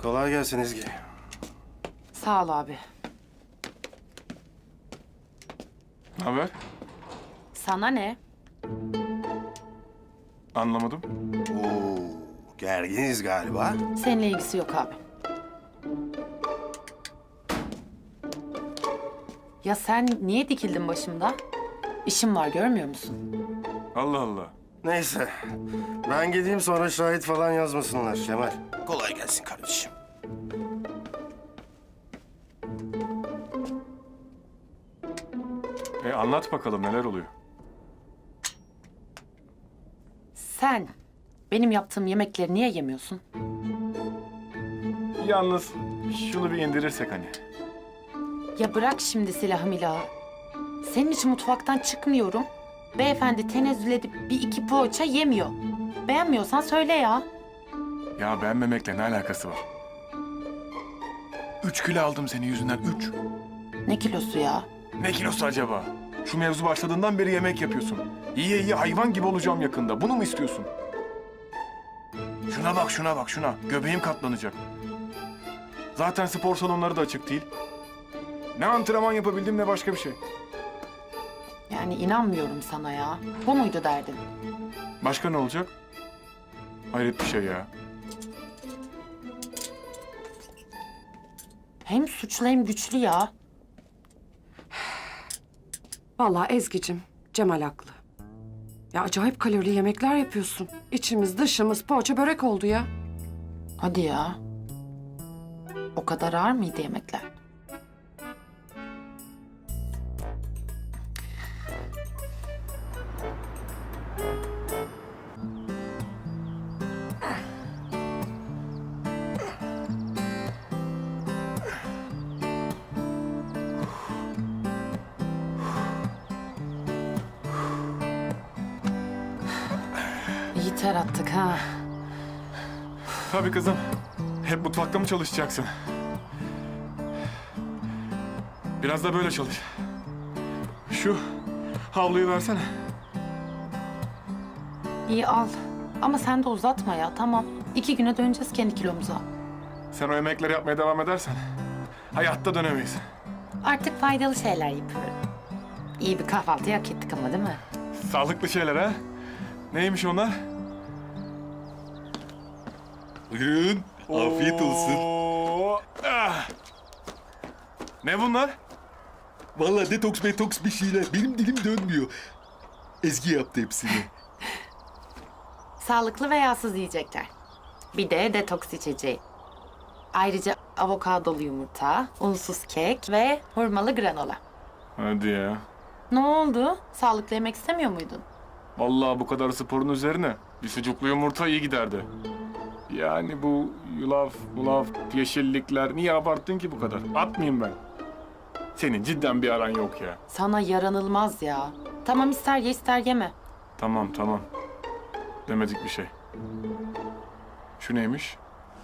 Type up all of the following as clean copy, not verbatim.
Kolay gelsin Ezgi. Sağ ol abi. Ne haber? Sana ne? Anlamadım. Oo, gerginiz galiba. Seninle ilgisi yok abi. Ya sen niye dikildin başımda? İşim var görmüyor musun? Allah Allah. Neyse, ben gideyim sonra şahit falan yazmasınlar Kemal. Kolay gelsin kardeşim. Anlat bakalım neler oluyor? Sen benim yaptığım yemekleri niye yemiyorsun? Yalnız şunu bir indirirsek hani. Ya bırak şimdi silahı milahı. Senin için mutfaktan çıkmıyorum. Beyefendi tenezzül edip bir iki poğaça yemiyor. Beğenmiyorsan söyle ya. Ya beğenmemekle ne alakası var? 3 kilo aldım senin yüzünden, 3. Ne kilosu ya? Ne kilosu acaba? Şu mevzu başladığından beri yemek yapıyorsun. Yiye yiye hayvan gibi olacağım yakında. Bunu mu istiyorsun? Şuna bak, şuna bak, şuna. Göbeğim katlanacak. Zaten spor salonları da açık değil. Ne antrenman yapabildim ne başka bir şey. Yani inanmıyorum sana ya. Bu muydu derdin? Başka ne olacak? Hayret bir şey ya. Hem suçlu hem güçlü ya. Vallahi Ezgi'cim, Cemal haklı. Ya acayip kalorili yemekler yapıyorsun. İçimiz dışımız poğaça börek oldu ya. Hadi ya. O kadar ağır mıydı yemekler? İyi ter attık ha. Tabii kızım. Hep mutfakta mı çalışacaksın? Biraz da böyle çalış. Şu havluyu versene. İyi al. Ama sen de uzatma ya tamam. 2 güne döneceğiz kendi kilomuza. Sen o yemekleri yapmaya devam edersen hayatta dönemeyiz. Artık faydalı şeyler yapıyorum. İyi bir kahvaltı hak ettik ama değil mi? Sağlıklı şeyler ha? Neymiş onlar? Buyurun. Afiyet olsun. Oo, ah! Ne bunlar? Vallahi detoks metoks bir şeyler. Benim dilim dönmüyor. Ezgi yaptı hepsini. Sağlıklı ve yağsız yiyecekler. Bir de detoks içeceği. Ayrıca avokadolu yumurta, unsuz kek ve hurmalı granola. Hadi ya. Ne oldu? Sağlıklı yemek istemiyor muydun? Vallahi bu kadar sporun üzerine bir sucuklu yumurta iyi giderdi. Yani bu yulaf, mulaf, yeşillikler niye abarttın ki bu kadar? Atmayayım ben. Senin cidden bir aran yok ya. Sana yaranılmaz ya. Tamam ister ye ister yeme. Tamam tamam. Demedik bir şey. Şu neymiş?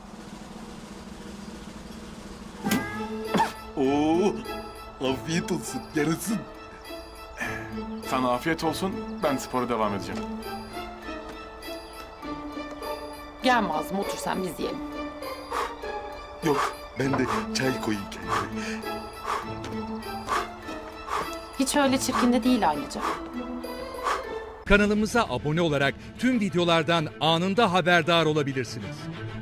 Oo, afiyet olsun. Yarasın. Sana afiyet olsun. Ben spora devam edeceğim. Gelme ağzıma otur sen biz yiyelim. Yok, ben de çay koyayım kendime. Hiç öyle çirkin de değil ayrıca. Kanalımıza abone olarak tüm videolardan anında haberdar olabilirsiniz.